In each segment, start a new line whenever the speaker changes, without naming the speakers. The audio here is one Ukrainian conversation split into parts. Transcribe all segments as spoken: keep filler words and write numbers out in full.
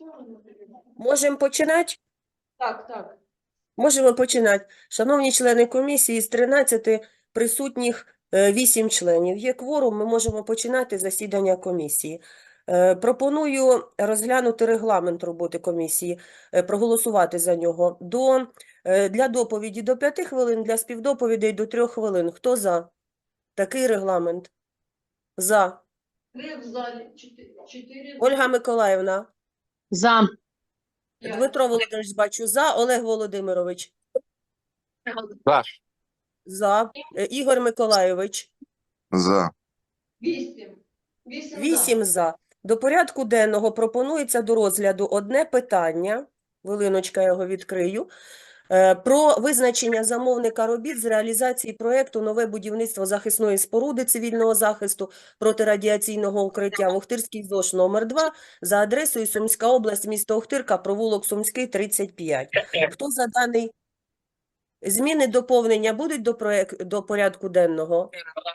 Можемо починати?
Так, так.
Можемо починати. Шановні члени комісії, з тринадцяти присутніх е, вісім членів. Є кворум, ми можемо починати засідання комісії. Е, Пропоную розглянути регламент роботи комісії, е, проголосувати за нього. До, е, для доповіді до п'яти хвилин, для співдоповідей до трьох хвилин. Хто за такий регламент? За.
Три в залі, чотири. чотири
Ольга Миколаївна.
За.
п'ять.
Дмитро Володимирович, бачу, за. Олег Володимирович.
За.
За. Е, Ігор Миколайович.
За.
Вісім. Вісім.
Вісім за. До порядку денного пропонується до розгляду одне питання, хвилиночка, я його відкрию, е, про визначення замовника робіт з реалізації проєкту «Нове будівництво захисної споруди цивільного захисту протирадіаційного укриття в Охтирській ЗОШ номер два за адресою Сумська область, місто Охтирка, провулок Сумський, тридцять п'ять. Хто за даний... Зміни, доповнення будуть до, проєк... до порядку денного?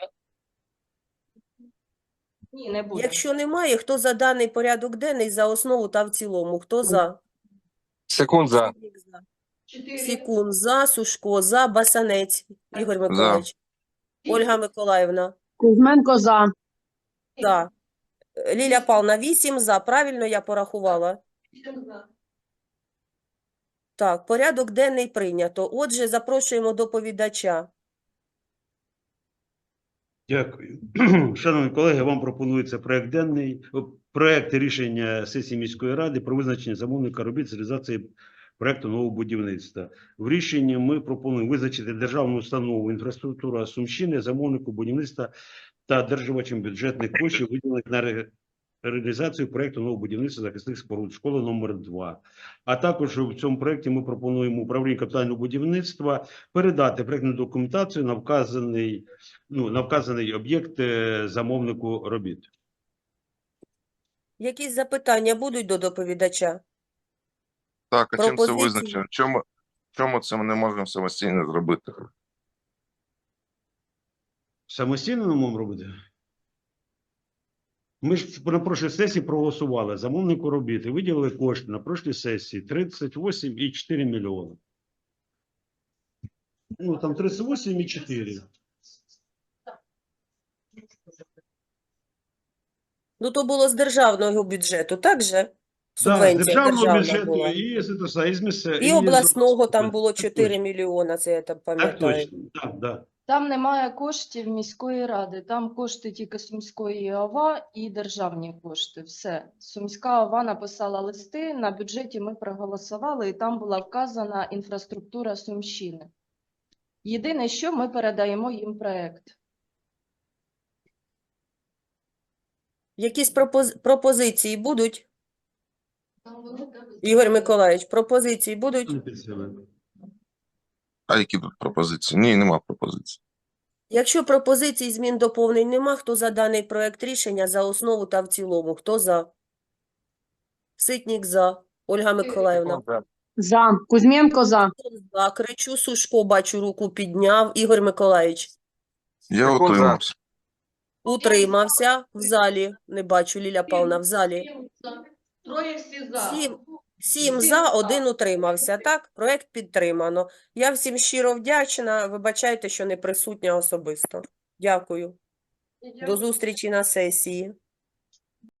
Ні, не буде.
Якщо немає, хто за даний порядок денний за основу та в цілому? Хто за?
Секунд за.
Чотири.
Сікун за, Сушко за, Басанець Ігор Миколаївич. Ольга Миколаївна
Кузьменко за.
за. Ліля Павловна вісім за. Правильно я порахувала?
Вісім за.
Так, порядок денний прийнято. Отже, запрошуємо доповідача.
Дякую. Шановні колеги, вам пропонується проект денний, о, проект рішення сесії міської ради про визначення замовника робіт з реалізації проекту нового будівництва. В рішенні ми пропонуємо визначити державну установу інфраструктура Сумщини, замовнику будівництва та одержувачем бюджетних коштів, виділених на ре- реалізацію проекту нового будівництва захисних споруд школи номер два. А також в цьому проекті ми пропонуємо управлінню капітального будівництва передати проектну документацію на вказаний ну, на вказаний об'єкт е, замовнику робіт.
Якісь запитання будуть до доповідача?
Так, а чим це
Пропозиції?
визначено? Чому, чому це ми не можемо самостійно зробити?
Самостійно не можемо робити? Ми ж на прошлій сесії проголосували замовнику робіт і виділили кошти на прошлій сесії тридцять вісім і чотири мільйони. Ну, там тридцять вісім і чотири.
Ну, то було з державного бюджету, так же?
Да, з
Субвенція
державного
державна
бюджету
була.
і, з, з, і, з місця-
І
з-
обласного там було
Так
чотири
точно.
мільйона, це я там
Так
пам'ятаю.
точно, так, да.
Там немає коштів міської ради, там кошти тільки Сумської ОВА і державні кошти. Все. Сумська ОВА написала листи, на бюджеті ми проголосували, і там була вказана інфраструктура Сумщини. Єдине, що ми передаємо їм проект.
Якісь пропоз... пропозиції будуть? Ігор Миколаївич, пропозиції будуть?
Не під себе.
А які тут пропозиції? Ні, нема пропозицій.
Якщо пропозицій, змін, доповнень нема, хто за даний проект рішення за основу та в цілому? Хто за? Ситник за. Ольга Миколаївна.
За. Кузьменко за.
За. Кричу, Сушко, бачу, руку підняв. Ігор Миколаївич.
Я Секунд за. утримався.
Утримався в залі. Не бачу, Ліля Павловна, в залі.
Сім за. Троє всі за.
Сім. Сім за, один утримався. Так, проект підтримано. Я всім щиро вдячна. Вибачайте, що не присутня особисто. Дякую. До зустрічі на сесії.